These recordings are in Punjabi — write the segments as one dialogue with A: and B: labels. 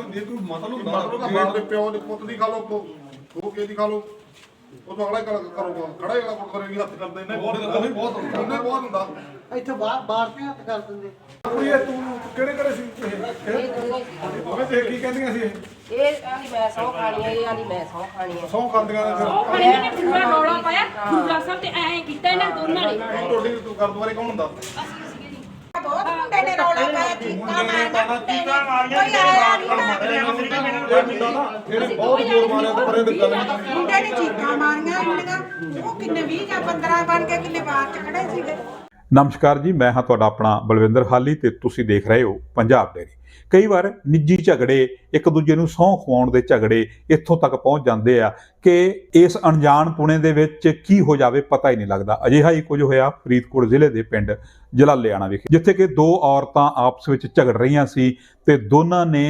A: ਹੁੰਦੀ ਹੈ, ਕੋਈ ਮਤਲਬ ਹੁੰਦਾ
B: ਮਤਲਬ ਤਾਂ ਬਾਪ ਦੇ ਪਿਓ ਦੇ ਪੁੱਤ ਦੀ ਖਾ ਲਓ, ਦੋ ਕੇ ਦੀ ਖਾ ਲਓ, ਉਹ ਤੋਂ ਅਗਲਾ ਹੀ ਕਰੂਗਾ, ਖੜਾ ਹੀ ਅਗਲਾ ਕੋਟ ਕਰੇਗੀ, ਹੱਥ ਕਰਦੇ ਇਹਨੇ ਬਹੁਤ ਹੁੰਦਾ।
C: ਇੱਥੇ ਬਾਹਰ ਤੇ ਹੱਥ ਕਰ ਦਿੰਦੇ।
A: ਕੁੜੀ ਤੂੰ ਕਿਹੜੇ ਸੀ ਇਹ ਦੇਖ ਕੀ ਕਹਿੰਦੀਆਂ ਸੀ
D: ਇਹ ਆਲੀ ਮੈਂ ਸੌ ਖਾਣੀ ਹੈ, ਇਹ ਆਲੀ ਮੈਂ ਸੌ ਖਾਣੀ ਹੈ।
A: ਸੌ ਖਾਂਦੀਆਂ ਨੇ
E: ਉਹ ਖਾਣੀ ਨੇ ਪੂਰਾ ਰੌਲਾ ਪਾਇਆ ਗੁਰਦੁਆਰਾ ਸਾਹਿਬ ਤੇ ਐਂ ਕੀਤਾ ਇਹਨਾਂ ਦੋਨਾਂ ਨੇ।
B: ਤੁਹਾਡੀ ਗੁਰਦੁਆਰੇ ਕੌਣ ਹੁੰਦਾ?
F: ਬਹੁਤ ਮੁੰਡੇ ਨੇ ਰੌਲਾ ਪਾਇਆ, ਚੀਕਾਂ ਮਾਰੀਆਂ ਕੋਈ ਆਇਆ ਨਹੀਂ।
A: ਇਹਨੇ ਬਹੁਤ ਜ਼ੋਰ ਮਾਰਿਆ ਤੇ ਪਰੇ ਦੀ ਗੱਲ ਨਹੀਂ।
F: ਮੁੰਡੇ ਨੇ ਚੀਕਾਂ ਮਾਰੀਆਂ ਇੰਨੀਆਂ, ਉਹ ਕਿੰਨੇ 20 ਜਾਂ 15 ਬਣ ਕੇ ਕਿੰਨੇ ਬਾਹਰ ਚ ਖੜੇ ਸੀਗੇ।
G: ਨਮਸਕਾਰ ਜੀ, ਮੈਂ ਹਾਂ ਤੁਹਾਡਾ ਆਪਣਾ ਬਲਵਿੰਦਰ ਹਾਲੀ ਤੇ ਤੁਸੀਂ ਦੇਖ ਰਹੇ ਹੋ ਪੰਜਾਬ ਡੇਅਰੀ। ਕਈ ਵਾਰ ਨਿੱਜੀ ਝਗੜੇ, ਇੱਕ ਦੂਜੇ ਨੂੰ ਸਹੁੰ ਖਵਾਉਣ ਦੇ ਝਗੜੇ ਇੱਥੋਂ ਤੱਕ ਪਹੁੰਚ ਜਾਂਦੇ ਆ ਕਿ ਇਸ ਅਣਜਾਣ ਪੁਣੇ ਦੇ ਵਿੱਚ ਕੀ ਹੋ ਜਾਵੇ ਪਤਾ ਹੀ ਨਹੀਂ ਲੱਗਦਾ। ਅਜਿਹਾ ਹੀ ਕੁਝ ਹੋਇਆ ਫਰੀਦਕੋਟ ਜ਼ਿਲ੍ਹੇ ਦੇ ਪਿੰਡ ਜਲਾਲਿਆਣਾ ਵਿਖੇ, ਜਿੱਥੇ ਕਿ ਦੋ ਔਰਤਾਂ ਆਪਸ ਵਿੱਚ ਝਗੜ ਰਹੀਆਂ ਸੀ ਤੇ ਦੋਨਾਂ ਨੇ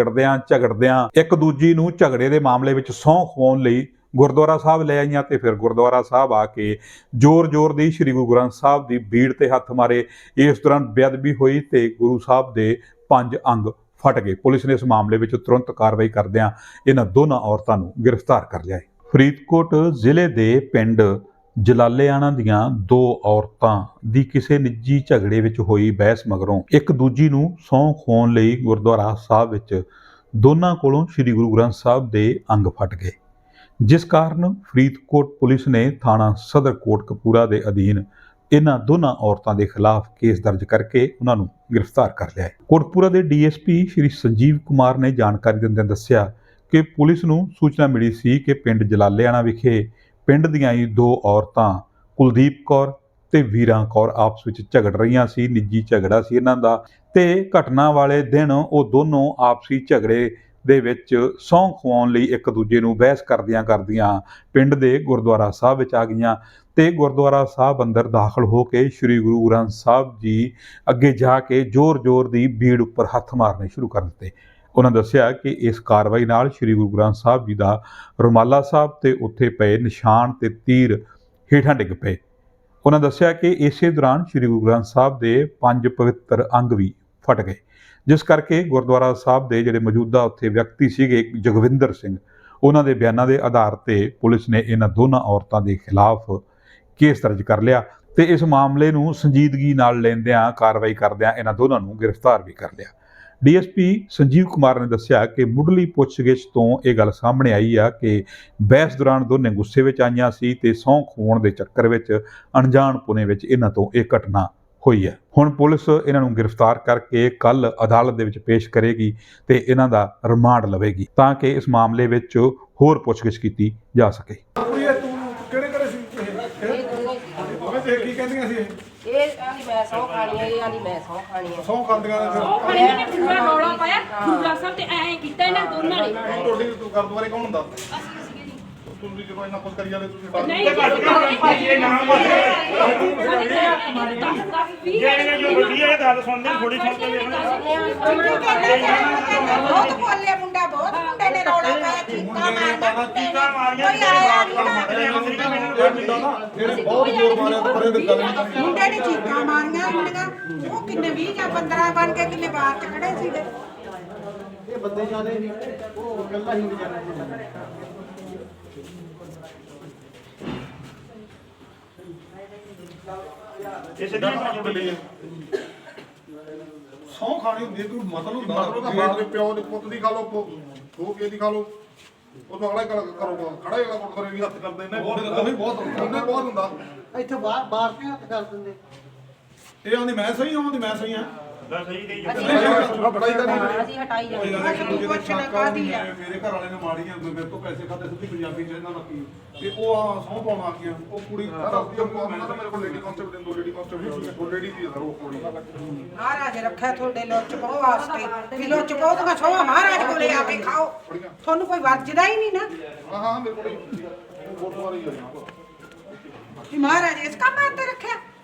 G: ਝਗੜਦਿਆਂ ਇੱਕ ਦੂਜੀ ਨੂੰ ਝਗੜੇ ਦੇ ਮਾਮਲੇ ਵਿੱਚ ਸਹੁੰ ਖਵਾਉਣ ਲਈ ਗੁਰਦੁਆਰਾ ਸਾਹਿਬ ਲੈ ਆਈਆਂ ਤੇ ਫਿਰ ਗੁਰਦੁਆਰਾ ਸਾਹਿਬ ਆ ਕੇ ਜ਼ੋਰ ਦੀ ਸ੍ਰੀ ਗੁਰੂ ਗ੍ਰੰਥ ਸਾਹਿਬ ਦੀ ਬੀੜ ਤੇ ਹੱਥ ਮਾਰੇ। ਇਸ ਦੌਰਾਨ ਬੇਅਦਬੀ ਹੋਈ ਤੇ ਗੁਰੂ ਸਾਹਿਬ ਦੇ 5 ਅੰਗ ਫਟ ਗਏ। ਪੁਲਿਸ ਨੇ ਇਸ ਮਾਮਲੇ ਵਿੱਚ ਤੁਰੰਤ ਕਾਰਵਾਈ ਕਰਦਿਆਂ ਇਹਨਾਂ ਦੋਨਾਂ ਔਰਤਾਂ ਨੂੰ ਗ੍ਰਿਫਤਾਰ ਕਰ ਲਿਆ ਹੈ। ਫਰੀਦਕੋਟ ਜ਼ਿਲ੍ਹੇ ਦੇ ਪਿੰਡ ਜਲਾਲਿਆਣਾ ਦੀਆਂ ਦੋ ਔਰਤਾਂ ਦੀ ਕਿਸੇ ਨਿੱਜੀ ਝਗੜੇ ਵਿੱਚ ਹੋਈ ਬਹਿਸ ਮਗਰੋਂ ਇੱਕ ਦੂਜੀ ਨੂੰ ਸਹੁੰ ਖਵਾਉਣ ਲਈ ਗੁਰਦੁਆਰਾ ਸਾਹਿਬ ਵਿੱਚ ਦੋਨਾਂ ਕੋਲੋਂ ਸ੍ਰੀ ਗੁਰੂ ਗ੍ਰੰਥ ਸਾਹਿਬ ਦੇ ਅੰਗ ਫਟ ਗਏ, ਜਿਸ ਕਾਰਨ ਫਰੀਦਕੋਟ ਪੁਲਿਸ ਨੇ ਥਾਣਾ ਸਦਰ ਕੋਟਕਪੂਰਾ ਦੇ ਅਧੀਨ ਇਹਨਾਂ ਦੋਨਾਂ ਔਰਤਾਂ ਦੇ ਖਿਲਾਫ ਕੇਸ ਦਰਜ ਕਰਕੇ ਉਹਨਾਂ ਨੂੰ ਗ੍ਰਿਫਤਾਰ ਕਰ ਲਿਆ ਹੈ। ਕੋਟਕਪੂਰਾ ਦੇ ਡੀਐਸਪੀ ਸ਼੍ਰੀ ਸੰਜੀਵ ਕੁਮਾਰ ਨੇ ਜਾਣਕਾਰੀ ਦਿੰਦਿਆਂ ਦੱਸਿਆ ਕਿ ਪੁਲਿਸ ਨੂੰ ਸੂਚਨਾ ਮਿਲੀ ਸੀ ਕਿ ਪਿੰਡ ਜਲਾਲਿਆਣਾ ਵਿਖੇ ਪਿੰਡ ਦੀਆਂ ਹੀ ਦੋ ਔਰਤਾਂ ਕੁਲਦੀਪ ਕੌਰ ਤੇ ਵੀਰਾਂ ਕੌਰ ਆਪਸ ਵਿੱਚ ਝਗੜ ਰਹੀਆਂ ਸੀ। ਨਿੱਜੀ ਝਗੜਾ ਸੀ ਇਹਨਾਂ ਦਾ ਤੇ ਘਟਨਾ ਵਾਲੇ ਦਿਨ ਉਹ ਦੋਨੋਂ ਆਪਸੀ ਝਗੜੇ ਦੇ ਵਿੱਚ ਸਹੁੰ ਖਵਾਉਣ ਲਈ ਇੱਕ ਦੂਜੇ ਨੂੰ ਬਹਿਸ ਕਰਦਿਆਂ ਪਿੰਡ ਦੇ ਗੁਰਦੁਆਰਾ ਸਾਹਿਬ ਵਿੱਚ ਆ ਗਈਆਂ ਤੇ ਗੁਰਦੁਆਰਾ ਸਾਹਿਬ ਅੰਦਰ ਦਾਖਲ ਹੋ ਕੇ ਸ੍ਰੀ ਗੁਰੂ ਗ੍ਰੰਥ ਸਾਹਿਬ ਜੀ ਅੱਗੇ ਜਾ ਕੇ ਜ਼ੋਰ ਦੀ ਬੀੜ ਉੱਪਰ ਹੱਥ ਮਾਰਨੇ ਸ਼ੁਰੂ ਕਰ ਦਿੱਤੇ। ਉਹਨਾਂ ਦੱਸਿਆ ਕਿ ਇਸ ਕਾਰਵਾਈ ਨਾਲ ਸ੍ਰੀ ਗੁਰੂ ਗ੍ਰੰਥ ਸਾਹਿਬ ਜੀ ਦਾ ਰੁਮਾਲਾ ਸਾਹਿਬ ਤੇ ਉੱਥੇ ਪਏ ਨਿਸ਼ਾਨ ਤੇ ਤੀਰ ਹੇਠਾਂ ਡਿੱਗ ਪਏ। ਉਹਨਾਂ ਦੱਸਿਆ ਕਿ ਇਸੇ ਦੌਰਾਨ ਸ੍ਰੀ ਗੁਰੂ ਗ੍ਰੰਥ ਸਾਹਿਬ ਦੇ 5 ਪਵਿੱਤਰ ਅੰਗ ਵੀ ਫਟ ਗਏ, ਜਿਸ ਕਰਕੇ ਗੁਰਦੁਆਰਾ ਸਾਹਿਬ ਦੇ ਜਿਹੜੇ ਮੌਜੂਦਾ ਉੱਥੇ ਵਿਅਕਤੀ ਸੀਗੇ ਜਗਵਿੰਦਰ ਸਿੰਘ, ਉਹਨਾਂ ਦੇ ਬਿਆਨਾਂ ਦੇ ਆਧਾਰ ਤੇ ਪੁਲਿਸ ਨੇ ਇਹਨਾਂ ਦੋਨਾਂ ਔਰਤਾਂ ਦੇ ਖਿਲਾਫ ਕੇਸ ਦਰਜ ਕਰ ਲਿਆ ਤੇ ਇਸ ਮਾਮਲੇ ਨੂੰ ਸੰਜੀਦਗੀ ਨਾਲ ਲੈਂਦਿਆਂ ਕਾਰਵਾਈ ਕਰਦਿਆਂ ਇਹਨਾਂ ਦੋਨਾਂ ਨੂੰ ਗ੍ਰਿਫਤਾਰ ਵੀ ਕਰ ਲਿਆ। ਡੀਐਸਪੀ ਸੰਜੀਵ ਕੁਮਾਰ ਨੇ ਦੱਸਿਆ ਕਿ ਮੁੱਢਲੀ ਪੁੱਛਗਿੱਛ ਤੋਂ ਇਹ ਗੱਲ ਸਾਹਮਣੇ ਆਈ ਆ ਕਿ ਬਹਿਸ ਦੌਰਾਨ ਦੋਨੇ ਗੁੱਸੇ ਵਿੱਚ ਆਈਆਂ ਸੀ ਤੇ ਸਹੁੰ ਖਵਾਉਣ ਦੇ ਚੱਕਰ ਵਿੱਚ ਅਣਜਾਣ ਪੁਣੇ ਵਿੱਚ ਇਹਨਾਂ ਤੋਂ ਇਹ ਘਟਨਾ ਹੋਈ ਹੈ। ਹੁਣ ਪੁਲਿਸ ਇਹਨਾਂ ਨੂੰ ਗ੍ਰਿਫਤਾਰ ਕਰਕੇ ਕੱਲ ਅਦਾਲਤ ਦੇ ਵਿੱਚ ਪੇਸ਼ ਕਰੇਗੀ ਤੇ ਇਹਨਾਂ ਦਾ ਰਿਮਾਂਡ ਲਵੇਗੀ ਤਾਂ ਕਿ ਇਸ ਮਾਮਲੇ ਵਿੱਚ ਹੋਰ ਪੁੱਛਗਿੱਛ ਕੀਤੀ ਜਾ ਸਕੇ।
A: ਕੁੜੀ ਤੂੰ ਕਿਹੜੇ ਸੀ ਇਹ ਦੇਖ ਕੀ ਕਹਿੰਦੀਆਂ ਸੀ
D: ਇਹ ਆਲੀ ਮੈਂ ਸੌ ਖਾਣੀ ਹੈ, ਇਹ ਆਲੀ ਮੈਂ ਸੌ ਖਾਣੀ ਹੈ।
A: ਸੌ ਖਾਂਦੀਆਂ ਨੇ
E: ਉਹ ਖਾਣੀ ਨੇ ਪੂਰਾ ਰੌਲਾ ਪਾਇਆ ਗੁਰਦੁਆਰਾ ਸਾਹਿਬ ਤੇ ਐਂ ਕੀਤਾ ਇਹਨਾਂ ਦੋਨਾਂ ਨੇ।
B: ਤੁਹਾਡੀ ਗੁਰਦੁਆਰੇ ਕੌਣ ਹੁੰਦਾ? ਤੁਸੀਂ ਜਦੋਂ ਇੰਨਾ ਕੁਝ ਕਰੀ ਜਾਂਦੇ ਤੁਸੀਂ
E: ਨਹੀਂ ਭਾਜੀ ਨਾਮ
F: ਜਿਹੜੇ ਜੋ ਵੱਡੀ ਹੈ ਗੱਲ ਸੁਣਦੇ ਥੋੜੀ ਸੁਣਦੇ ਬਹੁਤ ਬੋਲੇ ਮੁੰਡਾ, ਬਹੁਤ ਮੁੰਡੇ ਨੇ ਰੌਲਾ ਪਾਇਆ, ਚੀਕਾਂ ਮਾਰੀਆਂ ਕੋਈ ਆਇਆ ਨਹੀਂ।
A: ਇਹਨੇ ਬਹੁਤ ਜ਼ੋਰ ਮਾਰਿਆ ਤੇ ਪਰੇ ਦੀ ਗੱਲ ਨਹੀਂ।
F: ਮੁੰਡੇ ਨੇ ਚੀਕਾਂ ਮਾਰੀਆਂ ਇੰਨੀਆਂ, ਉਹ ਕਿੰਨੇ 20 ਜਾਂ 15 ਬਣ ਕੇ ਕਿੰਨੇ ਬਾਹਰ ਚ ਖੜੇ ਸੀਗੇ।
C: ਇਹ ਬੰਦੇ ਜਾਣੇ ਨਹੀਂ, ਉਹ ਇਕੱਲਾ ਹੀ ਵਿਚਾਰਾ।
A: ਸਹੁੰ ਖਾਣੀ ਹੁੰਦੀ ਹੈ, ਕੋਈ ਮਤਲਬ ਹੁੰਦਾ
B: ਮਤਲਬ ਤਾਂ ਬਾਪ ਦੇ ਪਿਓ ਦੇ ਪੁੱਤ ਦੀ ਖਾ ਲਓ, ਦੋ ਕੇ ਦੀ ਖਾ ਲਓ, ਉਹ ਤੋਂ ਅਗਲਾ ਹੀ ਕਰੂਗਾ, ਖੜਾ ਹੀ ਅਗਲਾ ਕੋਟ ਕਰੇਗੀ, ਹੱਥ ਕਰਦੇ ਇਹਨੇ ਬਹੁਤ ਹੁੰਦਾ।
C: ਇੱਥੇ ਬਾਹਰ ਤੇ ਹੱਥ ਕਰ ਦਿੰਦੇ।
A: ਇਹ ਆਂਦੀ ਮੈਂ ਸਹੀ ਹਾਂ, ਮੈਂ ਸਹੀ ਹਾਂ।
D: ਅਸੀਂ ਹਟਾਈ ਜਾਂਦੇ
A: ਮੇਰੇ ਘਰ ਵਾਲੇ ਨੇ ਮਾਰੀਆਂ, ਮੇਰੇ ਤੋਂ ਪੈਸੇ ਖਾਦੇ ਸਿੱਧੀ ਪੰਜਾਬੀ ਚ ਇਹਨਾਂ ਦਾ ਕੀ ਤੇ ਉਹ ਸਹੁੰ ਪਾਉਣ ਆ ਗਈਆਂ। ਉਹ ਕੁੜੀ
B: ਮੇਰੇ ਕੋਲ ਲੇਡੀ ਕਾਂਸਟੇਬਲ ਦੋ ਲੇਡੀ ਕਾਂਸਟੇਬਲ ਸੀ, ਉਹ ਲੇਡੀ ਦੀ ਉਹ ਕੁੜੀ
F: ਮਹਾਰਾਜ ਰੱਖਿਆ ਤੁਹਾਡੇ ਲੁੱਚ ਪਾਉ ਵਾਸਤੇ ਵੀ ਲੁੱਚ ਪਾਉ ਤਾਂ ਸੋਹਾ ਮਹਾਰਾਜ ਕੋਲੇ ਆ ਕੇ ਖਾਓ, ਤੁਹਾਨੂੰ ਕੋਈ ਵਰਜਦਾ ਹੀ ਨਹੀਂ ਨਾ।
B: ਹਾਂ ਮੇਰੇ ਕੋਲ ਗੁਰਦੁਆਰੇ ਹੀ ਆ
F: ਮਹਾਰਾਜ ਇਸ ਕੰਮ ਤੇ ਰੱਖਿਆ।